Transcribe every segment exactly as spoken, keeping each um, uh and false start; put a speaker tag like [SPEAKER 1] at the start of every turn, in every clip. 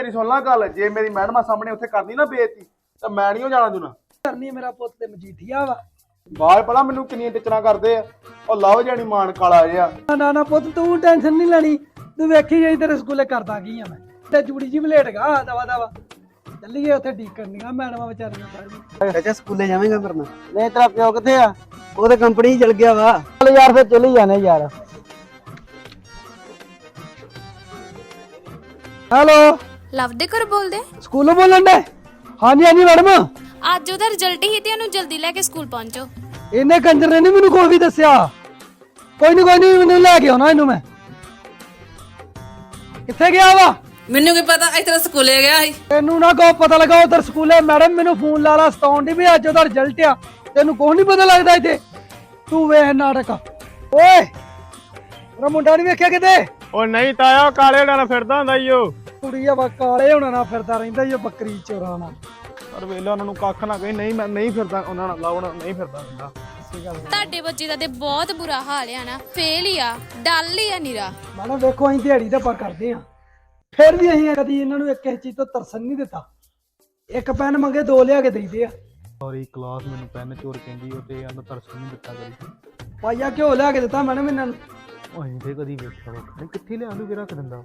[SPEAKER 1] ਮੇਰੀ ਸੁਣ ਲਾ ਗੱਲ, ਜੇ ਮੇਰੀ ਮੈਡਮਾਂ ਸਾਹਮਣੇ ਉੱਥੇ ਕਰਨੀ ਨਾ ਬੇਇੱਜ਼ਤੀ ਤਾਂ ਮੈਂ ਨਹੀਂ ਜਾਣਾ ਜੁਣਾ
[SPEAKER 2] ਕਰਨੀ। ਮੇਰਾ ਪੁੱਤ ਤੇ ਮਜੀਠੀਆ ਵਾ।
[SPEAKER 1] ਬਾਹਰ ਪਤਾ ਮੈਨੂੰ ਕਿੰਨੀਆਂ ਟਿਚਰਾਂ ਕਰਦੇ ਆ। ਉਹ ਲਵ ਜਾਣੀ ਮਾਨ ਕਾਲਾ ਜਿਹਾ।
[SPEAKER 2] ਨਾ ਨਾ ਪੁੱਤ ਤੂੰ ਟੈਨਸ਼ਨ ਨਹੀਂ ਲੈਣੀ, ਤੂੰ ਵੇਖੀ ਜਾਈ ਤੇਰੇ ਸਕੂਲੇ ਕਰਦਾ ਕੀ ਆ ਮੈਂ ਤੇ ਜੂੜੀ ਜੀ ਬਲੇਟਗਾ ਦਵਾ ਦਵਾ ਚੱਲੀਏ ਉੱਥੇ ਡੀਕ ਕਰਨੀਆਂ ਮੈਡਮਾਂ ਵਿਚਾਰੀਆਂ ਸਾਰੀਆਂ।
[SPEAKER 3] ਅੱਛਾ ਸਕੂਲੇ ਜਾਵੇਂਗਾ ਕਰਨਾ? ਨਹੀਂ ਤੇਰਾ ਪਿਓ ਕਿੱਥੇ ਆ? ਉਹ ਤੇ ਕੰਪਨੀ ਚਲ ਗਿਆ ਵਾ। ਚੱਲ ਯਾਰ ਫਿਰ ਚਲੀ ਜਾਣੇ ਯਾਰ।
[SPEAKER 2] ਹੈਲੋ
[SPEAKER 4] ਲਵ ਦੇ ਘਰ ਬੋਲਦੇ?
[SPEAKER 2] ਸਕੂਲੋਂ ਬੋਲਣ ਦੇ? ਹਾਂਜੀ ਹਾਂਜੀ ਮੈਡਮ।
[SPEAKER 4] ਅੱਜ ਉਹਦਾ ਰਿਜ਼ਲਟ ਹੀ ਤੇ ਉਹਨੂੰ ਜਲਦੀ ਲੈ ਕੇ ਸਕੂਲ ਪਹੁੰਚੋ।
[SPEAKER 2] ਇਹਨੇ ਕੰਜਰ ਨੇ ਨਹੀਂ ਮੈਨੂੰ ਕੋਈ ਵੀ ਦੱਸਿਆ। ਕੋਈ ਨਹੀਂ ਕੋਈ ਨਹੀਂ ਮੈਨੂੰ ਲੈ ਕੇ ਆਉਣਾ ਇਹਨੂੰ। ਮੈਂ ਕਿੱਥੇ ਗਿਆ ਵਾ?
[SPEAKER 5] ਮੈਨੂੰ ਕੀ ਪਤਾ, ਇੱਥੇ ਸਕੂਲੇ ਗਿਆ ਸੀ।
[SPEAKER 2] ਤੈਨੂੰ ਨਾ ਕੋ ਪਤਾ ਲੱਗਾ ਉਧਰ ਸਕੂਲੇ ਮੈਡਮ ਮੈਨੂੰ ਫੋਨ ਲਾ ਲਾ ਸਤਾਉਣ ਦੀ ਵੀ ਅੱਜ ਉਹਦਾ ਰਿਜ਼ਲਟ ਆ। ਤੈਨੂੰ ਕੁਛ ਨਹੀਂ ਪਤਾ ਲੱਗਦਾ ਇੱਥੇ? ਤੂੰ ਵੇਖ ਨਾਟਕ। ਓਏ ਮੇਰਾ ਮੁੰਡਾ ਨਹੀਂ ਵੇਖਿਆ ਕਿਤੇ?
[SPEAKER 1] ਉਹ ਨਹੀਂ ਤਾਇਆ, ਕਾਲੇ ਨਾਲ ਫਿਰਦਾ ਹੁੰਦਾ ਈ ਉਹ।
[SPEAKER 2] ਕੁੜੀ ਆ ਵਾ ਕਾਲੇ ਹੋਣਾ ਨਾਲ ਫਿਰਦਾ ਰਹਿੰਦਾ ਈ ਉਹ ਬੱਕਰੀ ਚੋਰਾਂ ਨਾਲ।
[SPEAKER 1] ਪਰ ਵੇਲੇ ਉਹਨਾਂ ਨੂੰ ਕੱਖ ਨਾ ਕਹੀ। ਨਹੀਂ ਮੈਂ ਨਹੀਂ ਫਿਰਦਾ ਉਹਨਾਂ ਨਾਲ, ਲਾਉਣਾ ਨਹੀਂ ਫਿਰਦਾ ਹੁੰਦਾ।
[SPEAKER 4] ਤੁਹਾਡੇ ਬੱਚੇ ਦਾ ਤੇ ਬਹੁਤ ਬੁਰਾ ਹਾਲ ਆ ਨਾ, ਫੇਲ ਹੀ ਆ, ਡੱਲ ਹੀ ਆ ਨੀਰਾ।
[SPEAKER 2] ਮੈਡਮ ਵੇਖੋ ਅਸੀਂ ਦਿਹਾੜੀ ਦਾ ਪਰ ਕਰਦੇ ਆ, ਫਿਰ ਵੀ ਅਸੀਂ ਕਦੀ ਇਹਨਾਂ ਨੂੰ ਇੱਕ ਚੀਜ਼ ਤੋਂ ਤਰਸਨ ਨਹੀਂ ਦਿੱਤਾ। ਇੱਕ ਪੈਨ ਮੰਗੇ ਦੋ ਲਿਆ ਕੇ ਦੇਈਦੇ ਆ।
[SPEAKER 1] ਸੌਰੀ ਕਲਾਸ ਮੈਨੂੰ ਪੈਨ ਚੋਰ ਕਹਿੰਦੀ ਉਹ ਤੇ ਇਹਨੂੰ ਤਰਸ ਨਹੀਂ ਦਿੱਤਾ ਕਰੀ।
[SPEAKER 2] ਪਾਈਆ ਘਿਓ ਲਿਆ ਕੇ ਦਿੱਤਾ ਮੈਡਮ ਇਹਨਾਂ ਨੂੰ।
[SPEAKER 1] ਉਹ ਇਹਦੇ ਕਦੀ ਵੇਖਿਆ ਵਾ ਕਿੱਥੇ ਲਿਆਂਦੂ ਕਿ ਰੱਖ ਦਿੰਦਾ।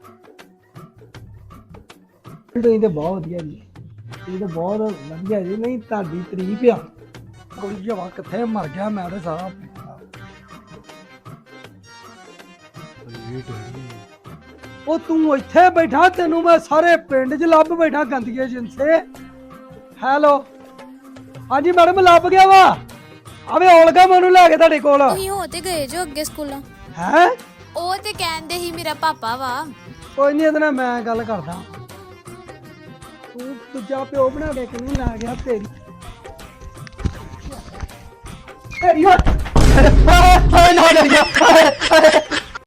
[SPEAKER 2] ਤੁਸੀਂ ਤੇ ਬਹੁਤ ਵਧੀਆ ਜੀ, ਇਹ ਤਾਂ ਬਹੁਤ ਵਧੀਆ ਜੀ। ਨਹੀਂ ਤੁਹਾਡੀ ਤਾਰੀਫ ਆ। ਕੋਈ ਜਵਾ ਕਿੱਥੇ ਮਰ ਗਿਆ ਮੈਂ ਤੇ ਸਾਰਾ। ਉਹ ਤੂੰ ਇੱਥੇ ਬੈਠਾ, ਤੈਨੂੰ ਮੈਂ ਸਾਰੇ ਪਿੰਡ 'ਚ ਲੱਭ ਬੈਠਾ ਗੰਦਗੇ ਜਿੰਸੇ। ਹੈਲੋ ਹਾਂਜੀ ਮੈਡਮ ਲੱਭ ਗਿਆ ਵਾ। ਆਵੇ ਔਲਗਾ ਮੈਨੂੰ ਲੈ ਕੇ ਤੁਹਾਡੇ ਕੋਲ।
[SPEAKER 4] ਤੁਸੀਂ ਹੋ ਤੇ ਗਏ ਜੋ ਅੱਗੇ ਸਕੂਲਾਂ?
[SPEAKER 2] ਹੈ
[SPEAKER 4] ਉਹ ਤੇ ਕਹਿੰਦੇ ਸੀ ਮੇਰਾ ਪਾਪਾ ਵਾ।
[SPEAKER 2] ਕੋਈ ਨਹੀਂ ਇਹਦੇ ਨਾਲ ਮੈਂ ਗੱਲ ਕਰਦਾ। ਤੂੰ ਦੂਜਾ ਪਿਓ ਬਣਾ ਕੇ ਕਿਉਂ ਲੈ ਗਿਆ? ਤੇਰੀ ਤੇਰੀ